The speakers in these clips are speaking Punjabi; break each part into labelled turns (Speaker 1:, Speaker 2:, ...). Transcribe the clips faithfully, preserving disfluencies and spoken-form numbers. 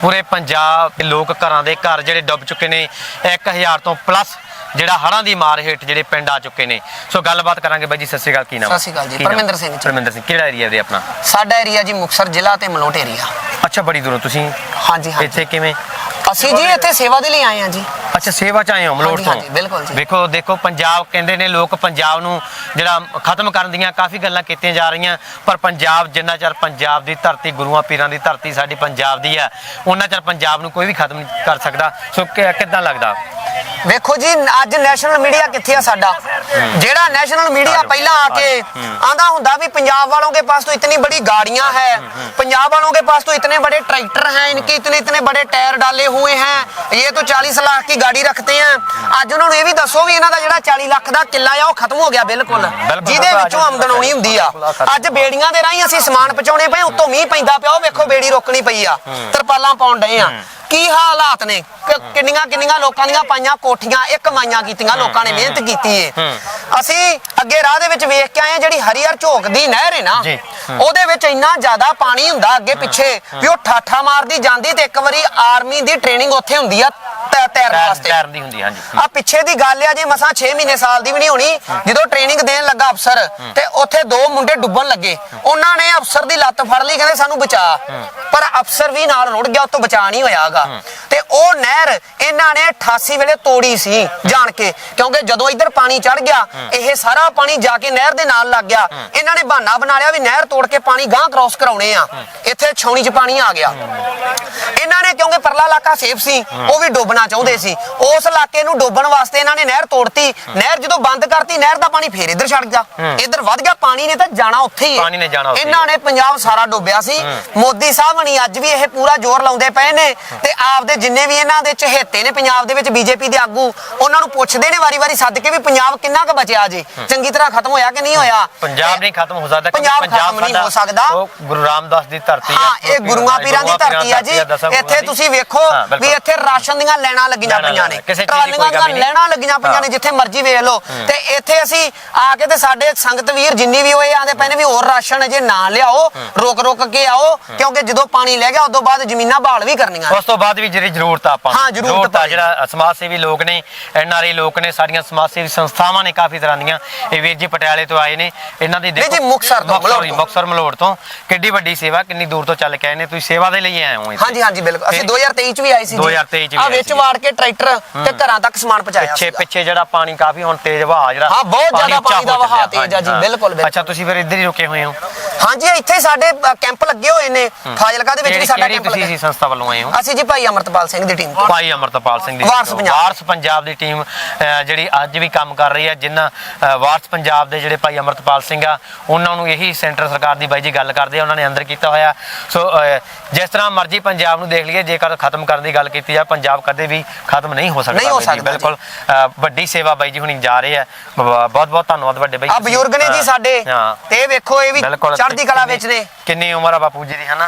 Speaker 1: पूरे पंजाब के लोग घरां दे घर जिहड़े डुब चुके ने एक हज़ार तो प्लस ਜਿਹੜਾ ਹੜਾਂ ਦੀ ਮਾਰ ਹੇਠ ਜਿਹੜੇ ਪਿੰਡ ਆ ਚੁੱਕੇ ਨੇ। ਸੋ ਗੱਲਬਾਤ ਕਰਾਂਗੇ ਬਾਈ ਜੀ। ਸਤਿ ਸ਼੍ਰੀ ਅਕਾਲ। ਕੀ ਨਾਮ?
Speaker 2: ਸਤਿ ਸ਼੍ਰੀ ਅਕਾਲ ਜੀ। ਪਰਮਿੰਦਰ ਸਿੰਘ।
Speaker 1: ਪਰਮਿੰਦਰ ਸਿੰਘ। ਕਿਹੜਾ ਏਰੀਆ ਦੇ ਆਪਣਾ?
Speaker 2: ਸਾਡਾ ਏਰੀਆ ਜੀ ਮੁਕਤਸਰ ਜ਼ਿਲ੍ਹਾ ਤੇ ਮਲੋਟ ਏਰੀਆ।
Speaker 1: ਅੱਛਾ, ਬੜੀ ਦੂਰੋਂ ਤੁਸੀਂ?
Speaker 2: ਹਾਂਜੀ ਹਾਂਜੀ।
Speaker 1: ਇੱਥੇ ਕਿਵੇਂ?
Speaker 2: ਅਸੀਂ ਜੀ ਇੱਥੇ ਸੇਵਾ ਦੇ ਲਈ ਆਏ ਹਾਂ ਜੀ।
Speaker 1: ਅੱਛਾ, ਸੇਵਾ ਚ ਆਏ ਹੋ ਮਲੋਟ ਤੋਂ?
Speaker 2: ਬਿਲकुल ਜੀ।
Speaker 1: ਦੇਖੋ ਦੇਖੋ ਪੰਜਾਬ ਕਹਿੰਦੇ ਨੇ ਲੋਕ ਪੰਜਾਬ ਨੂੰ ਜਿਹੜਾ ਖਤਮ ਕਰਨ ਦੀਆਂ ਕਾਫੀ ਗੱਲਾਂ ਕੀਤੀਆਂ ਜਾ ਰਹੀਆਂ, ਪਰ ਪੰਜਾਬ ਜਿੰਨਾ ਚਿਰ ਪੰਜਾਬ ਦੀ ਧਰਤੀ ਗੁਰੂਆਂ ਪੀਰਾਂ ਦੀ ਧਰਤੀ ਸਾਡੀ ਪੰਜਾਬ ਦੀ ਹੈ ਉਹਨਾਂ ਚਿਰ ਪੰਜਾਬ ਨੂੰ ਕੋਈ ਵੀ ਖਤਮ ਨਹੀਂ ਕਰ ਸਕਦਾ। ਸੋ ਕਿੱਦਾਂ ਲੱਗਦਾ?
Speaker 2: ਵੇਖੋ ਜੀ ਅੱਜ ਨੈਸ਼ਨਲ ਮੀਡੀਆ ਕਿੱਥੇ ਆ ਸਾਡਾ? ਜਿਹੜਾ ਨੈਸ਼ਨਲ मीडिया पहला आके आंदा हुंदा भी पंजाब वालों के पास तो इतनी बड़ी गाड़ियां हैं, पंजाब वालों के पास तो इतने बड़े ट्रैक्टर हैं, इनके इतने इतने बड़े टायर डाले हुए हैं, ये तो चालीस लाख की गाड़ी रखते हैं। ਅੱਜ ਉਹਨਾਂ ਨੂੰ ਇਹ ਵੀ ਦੱਸੋ ਵੀ ਇਹਨਾਂ ਦਾ ਜਿਹੜਾ चालीस ਲੱਖ ਦਾ ਕਿੱਲਾ ਆ ਉਹ ਖਤਮ ਹੋ ਗਿਆ ਬਿਲਕੁਲ, ਜਿਹਦੇ ਵਿੱਚੋਂ ਆਮਦਨ ਆਉਣੀ ਹੁੰਦੀ ਆ। ਅੱਜ ਬੇੜੀਆਂ ਦੇ ਰਾਹੀਂ ਅਸੀਂ ਸਮਾਨ ਪਹੁੰਚਾਉਣੇ ਪਏ, ਉੱਤੋਂ ਮੀਂਹ ਪੈਂਦਾ ਪਿਆ, ਉਹ ਵੇਖੋ ਬੇੜੀ ਰੋਕਣੀ ਪਈ ਆ, ਤਰਪਾਲਾਂ ਪਾਉਣ ਡਏ ਆ। ਕੀ ਹਾਲਾਤ ਨੇ? ਕਿੰਨੀਆਂ ਕਿੰਨੀਆਂ ਲੋਕਾਂ ਦੀਆਂ ਪਾਈਆਂ ਕੋਠੀਆਂ ਇੱਕ ਮਾਈਆਂ ਕੀਤੀਆਂ, ਲੋਕਾਂ ਨੇ ਮਿਹਨਤ ਕੀਤੀ ਏ। ਅਸੀਂ ਅੱਗੇ ਰਾਹ ਦੇ ਵਿੱਚ ਵੇਖ ਕੇ ਆਏ, ਜਿਹੜੀ ਹਰੀਹਰ ਝੋਕ ਦੀ ਨਹਿਰ ਹੈ ਨਾ, ਉਹਦੇ ਵਿੱਚ ਇੰਨਾ ਜ਼ਿਆਦਾ ਪਾਣੀ ਹੁੰਦਾ ਅੱਗੇ ਪਿੱਛੇ ਵੀ ਉਹ ਠਾਠਾ ਮਾਰਦੀ ਜਾਂਦੀ, ਤੇ ਇੱਕ ਵਾਰੀ ਆਰਮੀ ਦੀ ਟ੍ਰੇਨਿੰਗ ਉੱਥੇ ਹੁੰਦੀ ਆ ਤੈਰਨ ਵਾਸਤੇ।
Speaker 1: ਤੈਰਨ ਦੀ ਹੁੰਦੀ, ਹਾਂਜੀ।
Speaker 2: ਆ ਪਿੱਛੇ ਦੀ ਗੱਲ ਆ, ਜੇ ਮਸਾਂ ਛੇ ਮਹੀਨੇ ਸਾਲ ਦੀ ਵੀ ਨਹੀਂ ਹੋਣੀ, ਜਦੋਂ ਟ੍ਰੇਨਿੰਗ ਦੇਣ ਲੱਗਾ ਅਫਸਰ, ਤੇ ਉੱਥੇ ਦੋ ਮੁੰਡੇ ਡੁੱਬਣ ਲੱਗੇ, ਉਹਨਾਂ ਨੇ ਅਫਸਰ ਦੀ ਲੱਤ ਫੜ ਲਈ, ਕਹਿੰਦੇ ਸਾਨੂੰ ਬਚਾ, ਪਰ ਅਫਸਰ ਵੀ ਨਾਲ ਰੁੜ ਗਿਆ, ਉਹ ਤੋਂ ਬਚਾ ਨਹੀਂ ਹੋਇਆਗਾ। ਤੇ ਉਹ ਨਹਿਰ ਇਹਨਾਂ ਨੇ ਅਠਾਸੀ ਵੇਲੇ ਤੋੜੀ ਸੀ ਜਾਣ ਕੇ, ਕਿਉਂਕਿ ਜਦੋਂ ਇੱਧਰ ਪਾਣੀ ਚੜ ਗਿਆ ਇਹ ਸਾਰਾ ਪਾਣੀ ਜਾ ਕੇ ਨਹਿਰ ਦੇ ਨਾਲ ਲੱਗ ਗਿਆ। ਇਹਨਾਂ ਨੇ ਬਹਾਨਾ ਬਣਾ ਲਿਆ ਵੀ ਨਹਿਰ ਤੋੜ ਕੇ ਪਾਣੀ ਗਾਂਹ ਕ੍ਰੋਸ ਕਰਾਉਣੇ ਆ, ਇੱਥੇ ਛਾਉਣੀ 'ਚ ਪਾਣੀ ਆ ਗਿਆ। ਇਹਨਾਂ ਨੇ ਕਿਉਂਕਿ ਪਰਲਾ ਇਲਾਕਾ ਸੇਫ ਸੀ, ਉਹ ਵੀ ਡੋਬਣਾ ਚਾਹੁੰਦੇ ਸੀ, ਉਸ ਇਲਾਕੇ ਨੂੰ ਡੋਬਣ ਵਾਸਤੇ ਇਹਨਾਂ ਨੇ ਨਹਿਰ ਤੋੜਤੀ। ਨਹਿਰ ਜਦੋਂ ਬੰਦ ਕਰਤੀ, ਨਹਿਰ ਦਾ ਪਾਣੀ ਫੇਰ ਇੱਧਰ ਛੱਡ ਗਿਆ, ਇੱਧਰ ਵੱਧ ਗਿਆ, ਪਾਣੀ ਨੇ ਤਾਂ ਜਾਣਾ ਉੱਥੇ ਹੀ। ਇਹਨਾਂ ਨੇ ਪੰਜਾਬ ਸਾਰਾ ਡੋਬਿਆ ਸੀ। ਮੋਦੀ ਸਾਹਿਬ ਨਹੀਂ ਅੱਜ ਵੀ ਇਹ ਪੂਰਾ ਜ਼ੋਰ ਲਾਉਂਦੇ ਪਏ ਨੇ, ਤੇ ਆਪਦੇ ਜਿੰਨੇ ਵੀ ਇਹਨਾਂ ਦੇ ਚਹੇਤੇ ਨੇ ਪੰਜਾਬ ਦੇ ਵਿੱਚ ਬੀਜੇਪੀ ਦੇ ਆਗੂ, ਉਹਨਾਂ ਨੂੰ ਪੁੱਛਦੇ ਨੇ ਵਾਰੀ ਵਾਰੀ ਸੱਦ ਕੇ ਵੀ ਪੰਜਾਬ ਕਿੰਨਾ ਕੁ ਬਚਿਆ ਜੇ, ਚੰਗੀ ਤਰ੍ਹਾਂ ਖਤਮ ਹੋਇਆ ਕਿ ਨਹੀਂ ਹੋਇਆ?
Speaker 1: ਪੰਜਾਬ ਨਹੀਂ ਖਤਮ ਹੋ ਸਕਦਾ,
Speaker 2: ਪੰਜਾਬ ਖਤਮ ਨਹੀਂ ਹੋ ਸਕਦਾ।
Speaker 1: ਉਹ ਗੁਰੂ ਰਾਮਦਾਸ ਦੀ ਧਰਤੀ
Speaker 2: ਹੈ, ਇਹ ਗੁਰੂਆਂ ਪੀਰਾਂ ਦੀ ਧਰਤੀ ਆ ਜੀ। ਇੱਥੇ ਤੁਸੀਂ ਵੇਖੋ ਵੀ ਇੱਥੇ ਰਾਸ਼ਨ ਦੀਆਂ ਲੈਣਾ ਲੱਗੀਆਂ ਪਈਆਂ ਨੇ, ਟਰਾਲੀਆਂ ਦੀਆਂ ਲੈਣਾ ਲੱਗੀਆਂ ਪਈਆਂ ਨੇ, ਜਿੱਥੇ ਮਰਜ਼ੀ ਵੇਖ ਲਓ। ਤੇ ਇੱਥੇ ਅਸੀਂ ਆ ਕੇ ਤੇ ਸਾਡੇ ਸੰਗਤ ਵੀਰ ਜਿੰਨੀ ਵੀ ਹੋਏ ਆਂਦੇ ਪਏ ਨੇ ਵੀ ਹੋਰ ਰਾਸ਼ਨ ਅਜੇ ਨਾ ਲਿਆਓ, ਰੁਕ ਰੁਕ ਕੇ ਆਓ, ਕਿਉਂਕਿ ਜਦੋਂ ਪਾਣੀ ਲੈ ਗਿਆ ਉਦੋਂ ਬਾਅਦ ਜ਼ਮੀਨਾਂ ਬਹਾਲ ਵੀ ਕਰਨੀਆਂ, ਉਸ
Speaker 1: ਤੋਂ ਬਾਅਦ ਵੀ ਜਿਹੜੀ ਜ਼ਰੂਰਤ ਆ ਆਪਾਂ
Speaker 2: ਹਾਂ ਜ਼ਰੂਰਤ ਆ।
Speaker 1: ਜਿਹੜਾ ਸਮਾਜ ਸੇਵੀ ਲੋਕ ਨੇ, ਐਨ ਆਰ ਆਈ ਲੋਕ ਨੇ, ਸਾਡੀਆਂ ਸਮਾਜ ਸੇਵੀ ਸੰਸਥਾਵਾਂ ਨੇ ਕਾਫੀ ਤਰ੍ਹਾਂ ਦੀਆਂ। ਇਹ ਵੀਰ ਜੀ ਪਟਿਆਲੇ ਤੋਂ ਆਏ ਨੇ, ਇਹਨਾਂ ਦੀ ਦੇਖੋ
Speaker 2: ਮੁਕਤਸਰ ਤੋਂ
Speaker 1: ਮੁਕਤਸਰ ਮਲੋੜ ਤੋਂ ਕਿੱਡੀ ਵੱਡੀ ਸੇਵਾ, ਕਿੰਨੀ ਦੂਰ ਤੋਂ ਚੱਲ ਕੇ ਆਏ ਨੇ। ਤੁਸੀਂ ਸੇਵਾ ਦੇ ਲਈ ਆਏ ਹੋ?
Speaker 2: ਹਾਂਜੀ ਹਾਂਜੀ ਬਿਲਕੁਲ। ਅਸੀਂ ਦੋ ਹਜ਼ਾਰ ਤੇਈ ਚ ਵੀ ਆਏ ਸੀ,
Speaker 1: ਦੋ ਹਜ਼ਾਰ ਤੇਈ ਚ ਵੀ
Speaker 2: ਆ ਵਿੱਚ ਵਾੜ ਕੇ ਟਰੈਕਟਰ ਤੇ ਘਰਾਂ ਤੱਕ ਸਮਾਨ ਪਹੁੰਚਾਇਆ।
Speaker 1: ਪਿੱਛੇ ਪਿੱਛੇ ਜਿਹੜਾ ਪਾਣੀ ਕਾਫੀ ਹੁਣ ਤੇਜ਼ ਵਹਾਅ, ਜਿਹੜਾ
Speaker 2: ਹਾਂ ਬਹੁਤ ਜ਼ਿਆਦਾ ਪਾਣੀ ਦਾ ਵਹਾਅ ਤੇਜ਼ ਆ ਜੀ। ਬਿਲਕੁਲ।
Speaker 1: ਅੱਛਾ, ਤੁਸੀਂ ਫਿਰ ਇੱਧਰ ਹੀ ਰੁਕੇ ਹੋਏ ਹੋ?
Speaker 2: ਹਾਂਜੀ, ਇੱਥੇ ਸਾਡੇ ਕੈਂਪ ਲੱਗੇ ਹੋਏ ਨੇ, ਫਾਜ਼ਿਲਕਾ ਦੇ ਵਿੱਚ ਵੀ ਸਾਡਾ ਕੈਂਪ ਲੱਗਾ।
Speaker 1: ਤੁਸੀਂ ਸੰਸਥਾ ਵੱਲੋਂ ਆਏ ਹੋ?
Speaker 2: ਅਸੀਂ ਜੀ ਭਾਈ ਅਮਰਤਪਾਲ ਸਿੰਘ ਦੀ ਟੀਮ।
Speaker 1: ਭਾਈ ਅਮਰਤਪਾਲ ਸਿੰਘ ਦੀ ਵਾਰਸ ਪੰਜਾਬ ਦੀ ਟੀਮ ਜਿਹੜੀ ਅੱਜ ਵੀ ਕੰਮ ਕਰ ਰਹੀ ਹੈ, ਜਿਨ੍ਹਾਂ ਵਾਰਸ ਪੰਜਾਬ ਦੇ ਜਿਹੜੇ ਭਾਈ ਅਮਰਤਪਾਲ ਸਿੰਘ ਆ, ਉਹਨਾਂ ਨੂੰ ਇਹੀ ਸੈਂਟਰ ਸਰਕਾਰ ਦੀ ਬਾਈ ਜੀ ਗੱਲ ਕਰਦੇ ਆ, ਉਹਨਾਂ ਨੇ ਅੰਦਰ ਕੀਤਾ ਹੋਇਆ। ਸੋ ਜਿਸ ਤਰ੍ਹਾਂ ਮਰਜ਼ੀ ਪੰਜਾਬ ਨੂੰ ਦੇਖ ਲਈਏ, ਜੇਕਰ ਖਤਮ ਕਰਨ ਦੀ ਗੱਲ ਕੀਤੀ ਜਾ, ਪੰਜਾਬ ਕਦੇ ਵੀ ਖਤਮ ਨਹੀਂ ਹੋ ਸਕਦਾ। ਬਿਲਕੁਲ ਵੱਡੀ ਸੇਵਾ ਬਾਈ ਜੀ ਹੁਣੀ ਜਾ ਰਹੇ ਆ, ਬਹੁਤ ਬਹੁਤ ਧੰਨਵਾਦ ਵੱਡੇ ਬਾਈ।
Speaker 2: ਆ ਬਜ਼ੁਰਗ ਨੇ ਜੀ ਸਾਡੇ, ਤੇ ਵੇਖੋ ਇਹ ਵੀ ਚੜ੍ਹਦੀ ਕਲਾ ਵਿੱਚ ਨੇ।
Speaker 1: ਕਿੰਨੀ ਉਮਰ ਆ ਬਾਪੂ ਜੀ ਦੀ, ਹਨਾ?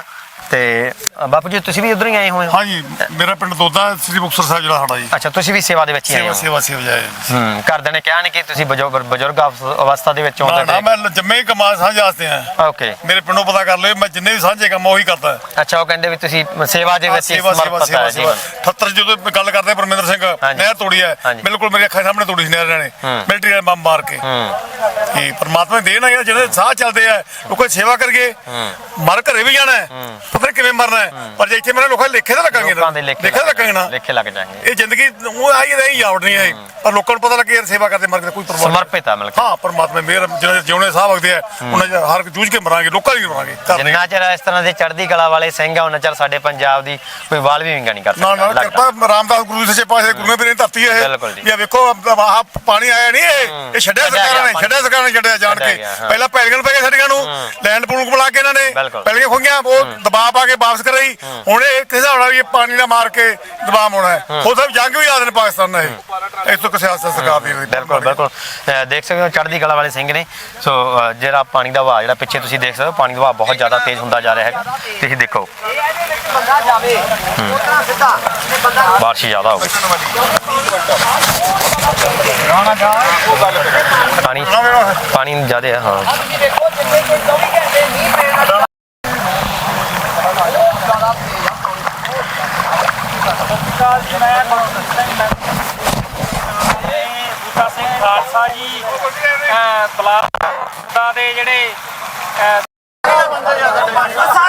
Speaker 1: ਤੇ ਬਾਪੂ ਜੀ ਤੁਸੀਂ ਵੀ ਉਧਰ ਹੀ ਆਏ ਹੋਏ?
Speaker 3: ਹਾਂਜੀ, ਮੇਰਾ ਪਿੰਡ ਦੋਦਾ, ਸ੍ਰੀ ਮੁਕਤਸਰ ਸਾਹਿਬ ਜਿਹੜਾ ਸਾਡਾ ਜੀ।
Speaker 1: ਅੱਛਾ, ਤੁਸੀਂ ਵੀ ਸੇਵਾ ਦੇ ਵਿੱਚ ਹੀ ਆਏ ਹੋ?
Speaker 3: ਸੇਵਾ ਸੇਵਾ ਜਾਏ।
Speaker 1: ਹੂੰ, ਘਰਦਿਆਂ ਨੇ ਕਿਹਾ ਨਹੀਂ ਕਿ ਤੁਸੀਂ ਬਜ਼ੁਰਗ ਅਵਸਥਾ ਦੇ ਵਿੱਚ ਹੋ?
Speaker 3: ਨਾ, ਮੈਂ ਜੰਮੇ ਹੀ ਕਮਾਲ ਸਾਂਝ ਵਾਸਤੇ ਆ।
Speaker 1: ਓਕੇ,
Speaker 3: ਮੇਰੇ ਪਿੰਡੋਂ ਪਤਾ ਕਰ ਲਿਓ, ਮੈਂ ਜਿੰਨੇ ਵੀ ਸਾਂਝੇ ਕੰਮ ਉਹੀ ਕਰਦਾ।
Speaker 1: ਅੱਛਾ, ਉਹ ਕਹਿੰਦੇ ਵੀ ਤੁਸੀਂ ਸੇਵਾ ਦੇ ਵਿੱਚ
Speaker 3: ਸਮਰਪਿਤ ਹੈ ਜੀ। ਅਠੱਤਰ ਜਦੋਂ ਗੱਲ ਕਰਦੇ ਪਰਮਿੰਦਰ ਸਿੰਘ, ਨਹਿਰ ਤੋੜੀ ਹੈ, ਬਿਲਕੁਲ ਮੇਰੀ ਅੱਖਾਂ ਸਾਹਮਣੇ ਤੋੜੀ ਸੀ ਨਹਿਰ ਨੇ, ਮਿਲਟਰੀ ਵਾਲੇ ਬੰਬ ਮਾਰ ਕੇ। ਇਹ ਪਰਮਾਤਮਾ ਦੇ ਦੇਣ ਆ, ਜਿਹੜੇ ਸਾਹ ਚੱਲਦੇ ਆ, ਲੋਕਾਂ ਦੀ ਸੇਵਾ ਕਰਕੇ ਮਰ ਘਰੇ ਵੀ ਜਾਣਾ, ਪਤਾ ਕਿਵੇਂ ਮਰਨਾ, ਪਰ ਜੇ ਇੱਥੇ ਮੇਰੇ ਲੋਕਾਂ ਦੇ ਲੇਖੇ ਤਾਂ ਲੱਗਾਂਗੇ, ਲੇਖੇ ਲੱਗਾਂਗੇ ਨਾ,
Speaker 1: ਲੇਖੇ ਲੱਗ ਜਾਣਗੇ।
Speaker 3: ਇਹ ਜ਼ਿੰਦਗੀ ਉਹ ਆਈ ਰਹੀ ਜਾਵੜ ਨਹੀਂ ਆਈ, ਪਰ ਲੋਕਾਂ ਨੂੰ ਪਤਾ ਲੱਗੇ ਯਾਰ ਸੇਵਾ ਕਰਦੇ ਮਰ ਕੇ ਕੋਈ ਪਰਵਾਹ
Speaker 1: ਸਮਰਪਿਤ ਆ। ਮਤਲਬ
Speaker 3: ਹਾਂ, ਪਰਮਾਤਮਾ ਮੇਰ ਜਿਹੜੇ ਜਿਉਣੇ ਸਾਹ ਵਗਦੇ ਆ, ਉਹਨਾਂ ਹਰ ਜੂਝ ਕੇ ਮਰਾਂਗੇ, ਲੋਕਾਂ ਦੀ ਮਰਾਂਗੇ।
Speaker 1: ਜਿੰਨਾ ਚਿਰ ਇਸ ਤਰ੍ਹਾਂ ਦੇ ਚੜ੍ਹਦੀ ਕਲਾ ਵਾਲੇ ਸਿੰਘ ਆ, ਉਹਨਾਂ ਚਿਰ ਸਾਡੇ ਪੰਜਾਬ ਦੀ ਕੋਈ ਵਾਲ ਵੀ ਵਿੰਗਾ ਨਹੀਂ ਕਰ ਸਕਦਾ।
Speaker 3: ਨਾ ਨਾ, ਕਿਰਪਾ ਰਾਮਦਾਸ ਗੁਰੂ ਸੱਚੇ ਪਾਤਸ਼ਾਹ ਗੁਰੂਆਂ ਪੀਰਾਂ ਦੀ ਧਰਤੀ ਹੈ ਇਹ। ਇਹ ਵੇਖੋ ਆਹ ਪਾਣੀ ਆਇਆ ਨਹੀਂ, ਇਹ ਇਹ ਛੱਡਿਆ ਸਰਕਾਰਾਂ ਨੇ, ਛੱਡਿਆ ਸਰਕਾਰਾਂ ਨੇ ਛੱਡਿਆ ਜਾਣ ਕੇ। ਪਹਿਲਾਂ ਪੈਲੀਆਂ ਪੈ ਗਏ ਸਾਡੀਆਂ ਨੂੰ, ਲੈਂਡ ਪੂਲ ਬੁਲਾ ਕੇ ਇਹਨਾਂ ਨੇ ਪੈਲੀਆਂ ਖੋਈਆਂ, ਉਹ ਦਬਾਅ ਪਾ ਕੇ ਵਾਪਸ ਕਰਾਈ। ਹੁਣ ਇਹ ਕਿਸੇ ਹਿਸਾਬ ਨਾਲ ਵੀ ਪਾਣੀ ਨਾਲ ਮਾਰ ਕੇ ਦਬਾਅ ਹੋਣਾ ਹੈ। ਉਹ ਸਭ ਜੰਗ ਵੀ ਆਦੇ ਨੇ ਪਾਕਿਸਤਾਨ ਨਾਲ, ਇਹ ਤੋਂ ਕਿਸੇ ਆਸਾ ਸਰਕਾਰ ਦੀ।
Speaker 1: ਬਿਲਕੁਲ ਬਿਲਕੁਲ, ਦੇਖ ਸਕਦੇ ਹੋ ਚੜ੍ਹਦੀ ਕਲਾ ਵਾਲੇ ਸਿੰਘ ਨੇ। ਸੋ ਜਿਹੜਾ ਪਾਣੀ ਦਾ ਵਹਾਅ ਜਿਹੜਾ ਪਿੱਛੇ ਤੁਸੀਂ ਦੇਖ ਸਕਦੇ ਹੋ, ਪਾਣੀ ਦਾ ਵਹਾਅ ਬਹੁਤ ਜ਼ਿਆਦਾ ਤੇਜ਼ ਹੁੰਦਾ ਜਾ ਰਿਹਾ ਹੈਗਾ। ਤੁਸੀਂ ਦੇਖੋ ਬਾਰਿਸ਼ ਜ਼ਿਆਦਾ ਹੋ ਗਈ, ਪਾਣੀ ਪਾਣੀ ਜ਼ਿਆਦਾ ਹੈ। ਹਾਂ,
Speaker 4: ਅਕਾਲ ਜੀ, ਮੈਂ ਗੁਰਪ੍ਰੀਤ ਸਿੰਘ ਮੈਂ ਬੂਟਾ ਸਿੰਘ ਖਾਲਸਾ ਜੀ ਬਲਾਕ ਦੇ ਜਿਹੜੇ